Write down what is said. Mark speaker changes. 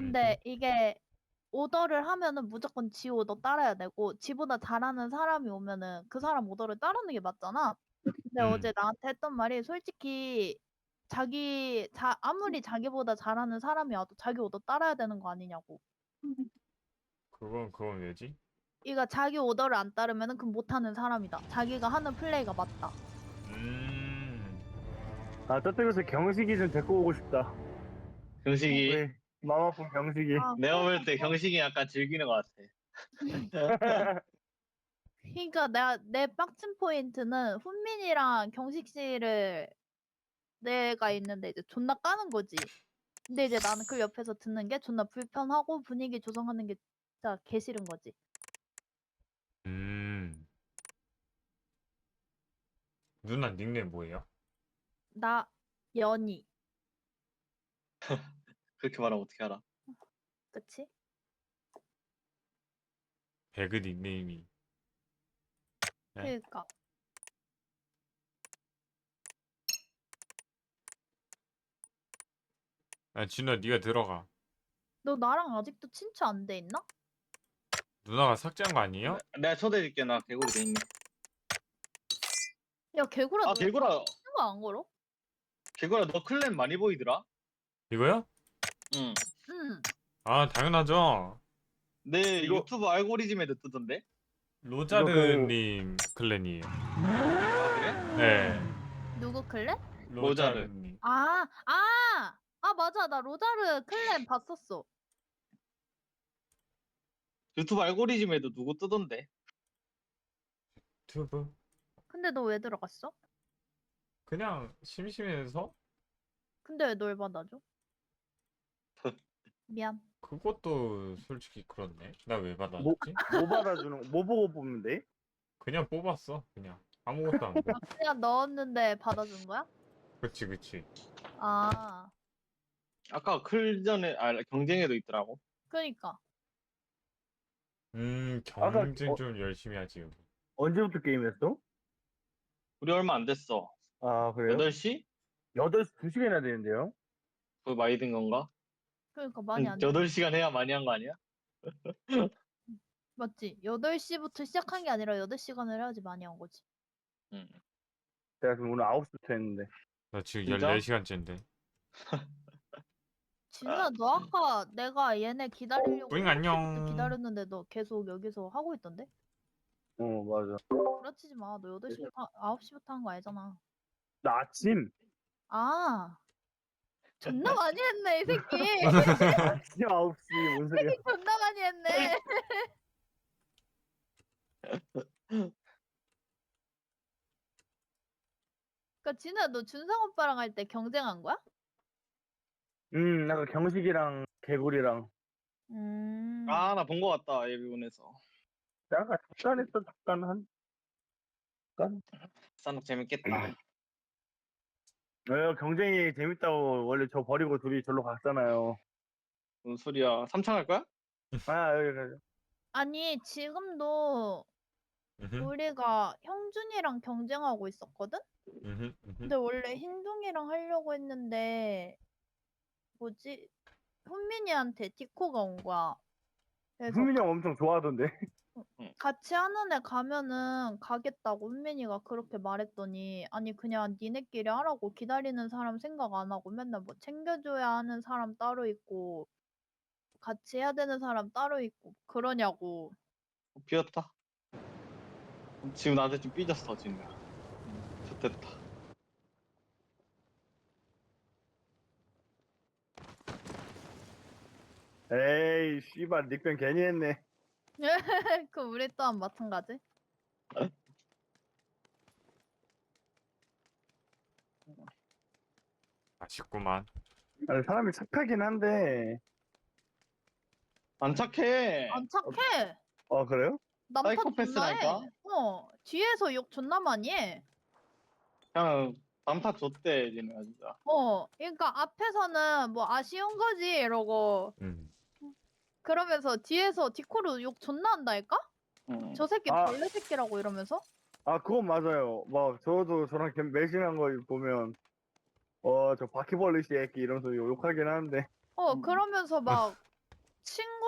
Speaker 1: 근데 이게 오더를 하면은 무조건 지 오더 따라야 되고 지보다 잘하는 사람이 오면은 그 사람 오더를 따르는 게 맞잖아. 근데 어제 나한테 했던 말이 솔직히 아무리 자기보다 잘하는 사람이 와도 자기 오더 따라야 되는 거 아니냐고.
Speaker 2: 그건 왜지?
Speaker 1: 그러니까 자기 오더를 안 따르면은 그럼 못하는 사람이다. 자기가 하는 플레이가 맞다.
Speaker 3: 아, 저쪽에서 경식이 좀 데리고 오고 싶다.
Speaker 4: 경식이
Speaker 3: 우리 마음 아픈 경식이.
Speaker 1: 아,
Speaker 4: 내가 볼 때 경식이 약간 즐기는 것 같아.
Speaker 1: 그러니까 내 빡친 포인트는 훈민이랑 경식 씨를 내가 있는데 이제 존나 까는 거지. 근데 이제 나는 그 옆에서 듣는 게 존나 불편하고 분위기 조성하는 게 진짜 개 싫은 거지.
Speaker 2: 누나 닉네임 뭐예요?
Speaker 1: 나 연희.
Speaker 4: 그렇게 말하면 어떻게 알아?
Speaker 1: 그치?
Speaker 2: 배그 닉네임이. 네?
Speaker 1: 그니까.
Speaker 2: 아, 진우야, 네가 들어가.
Speaker 1: 너 나랑 아직도 친추 안 돼 있나?
Speaker 2: 누나가 삭제한 거 아니에요?
Speaker 4: 내가 초대해줄게. 나 개구리 돼 있네.
Speaker 1: 야 개구라
Speaker 4: 아
Speaker 1: 너
Speaker 4: 개구라,
Speaker 1: 친구 안 걸어?
Speaker 4: 개구라 너 클랜 많이 보이더라?
Speaker 2: 이거요?
Speaker 4: 응.
Speaker 1: 응.
Speaker 2: 아, 당연하죠.
Speaker 4: 내
Speaker 3: 이거-
Speaker 4: 유튜브 알고리즘에도 뜨던데?
Speaker 2: 로자르님 클랜이에요.
Speaker 4: 아 그래?
Speaker 2: 네.
Speaker 1: 누구 클랜?
Speaker 4: 로자르.
Speaker 2: 로자르님.
Speaker 1: 아 맞아 나 로자르 클랜 봤었어.
Speaker 4: 유튜브 알고리즘에도 누구 뜨던데?
Speaker 2: 유튜브?
Speaker 1: 근데 너 왜 들어갔어?
Speaker 2: 그냥 심심해서?
Speaker 1: 근데 왜 널 받아줘? 미안.
Speaker 2: 그것도 솔직히 그렇네. 나 왜
Speaker 3: 뭐,
Speaker 2: 받았지?
Speaker 3: 뭐 받아주는, 뭐 보고 뽑는 데?
Speaker 2: 그냥 뽑았어. 그냥 아무것도 안 보고.
Speaker 1: 그냥 넣었는데 받아준 거야?
Speaker 2: 그치.
Speaker 1: 아
Speaker 4: 아까 클전에 경쟁에도 있더라고.
Speaker 1: 그니까.
Speaker 3: 아까
Speaker 2: 경쟁 좀 열심히 하지, 여기.
Speaker 3: 언제부터 게임했어?
Speaker 4: 우리 얼마 안 됐어.
Speaker 3: 아, 그래요?
Speaker 4: 8시?
Speaker 3: 8시 2시간이나 되는데요?
Speaker 4: 그거 많이 된 건가?
Speaker 1: 그러니까 많이 안 돼.
Speaker 4: 8시간 해야 많이 한 거 아니야?
Speaker 1: 맞지? 8시부터 시작한 게 아니라 8시간을 해야지 많이 한 거지.
Speaker 4: 응.
Speaker 3: 제가 지금 오늘 9시부터 했는데.
Speaker 2: 나 지금
Speaker 4: 진짜?
Speaker 2: 14시간째인데.
Speaker 1: 진우야 너 아까 내가 얘네 기다리려고
Speaker 2: 뿌잉
Speaker 1: 7시부터
Speaker 2: 안녕.
Speaker 1: 기다렸는데 너 계속 여기서 하고 있던데?
Speaker 3: 맞아.
Speaker 1: 그렇지 마. 너 8시부터 9시부터 한 거 알잖아.
Speaker 3: 나 아침!
Speaker 1: 아 존나 많이 했네 이 새끼.
Speaker 3: 아침 9시, 뭔 소리야.
Speaker 1: 존나 많이 했네. 그니까 진우야 너 준상 오빠랑 할 때 경쟁한 거야?
Speaker 3: 아까 경식이랑 개구리랑.
Speaker 4: 아, 나 본 거 같다. 예비군에서.
Speaker 3: 약간 잠깐 했어, 잠깐 잠깐?
Speaker 4: 싼옥 재밌겠다.
Speaker 3: 경쟁이 재밌다고 원래 저 버리고 둘이 절로 갔잖아요.
Speaker 4: 무슨 소리야? 삼창 할 거야?
Speaker 3: 아, 여기 가자.
Speaker 1: 아니 지금도
Speaker 2: 음흠,
Speaker 1: 우리가 형준이랑 경쟁하고 있었거든?
Speaker 2: 음흠.
Speaker 1: 근데 원래 흰둥이랑 하려고 했는데 뭐지? 훈민이한테 디코가 온 거야. 그래서
Speaker 3: 후민이 형 엄청 좋아하던데.
Speaker 4: 응.
Speaker 1: 같이 하는 애 가면은 가겠다고 훈민이가 그렇게 말했더니 아니 그냥 니네끼리 하라고 기다리는 사람 생각 안 하고 맨날 뭐 챙겨줘야 하는 사람 따로 있고 같이 해야 되는 사람 따로 있고 그러냐고.
Speaker 4: 비었다. 지금 나한테 좀 삐졌어, 지금. 좋됐다.
Speaker 3: 에이, 씨발, 닉변 괜히 했네.
Speaker 1: 그 우리 또한 마찬가지.
Speaker 2: 아쉽구만.
Speaker 3: 아니, 사람이 착하긴 한데.
Speaker 4: 안 착해.
Speaker 1: 안 착해.
Speaker 3: 그래요?
Speaker 1: 난파 존나
Speaker 4: 사이코패스라니까?
Speaker 1: 해. 뒤에서 욕 존나 많이 해.
Speaker 4: 그냥 단파 줬대, 얘네가 진짜.
Speaker 1: 그러니까 앞에서는 뭐 아쉬운 거지 이러고
Speaker 2: 음.
Speaker 1: 그러면서 뒤에서 디코로 욕 존나 한다니까?
Speaker 4: 응.
Speaker 1: 저 새끼
Speaker 3: 아.
Speaker 1: 벌레 새끼라고 이러면서?
Speaker 3: 그건 맞아요. 막, 저도 저랑 매신한 거 보면, 저 바퀴벌레 새끼 이러면서 욕하긴 하는데.
Speaker 1: 그러면서 막 친구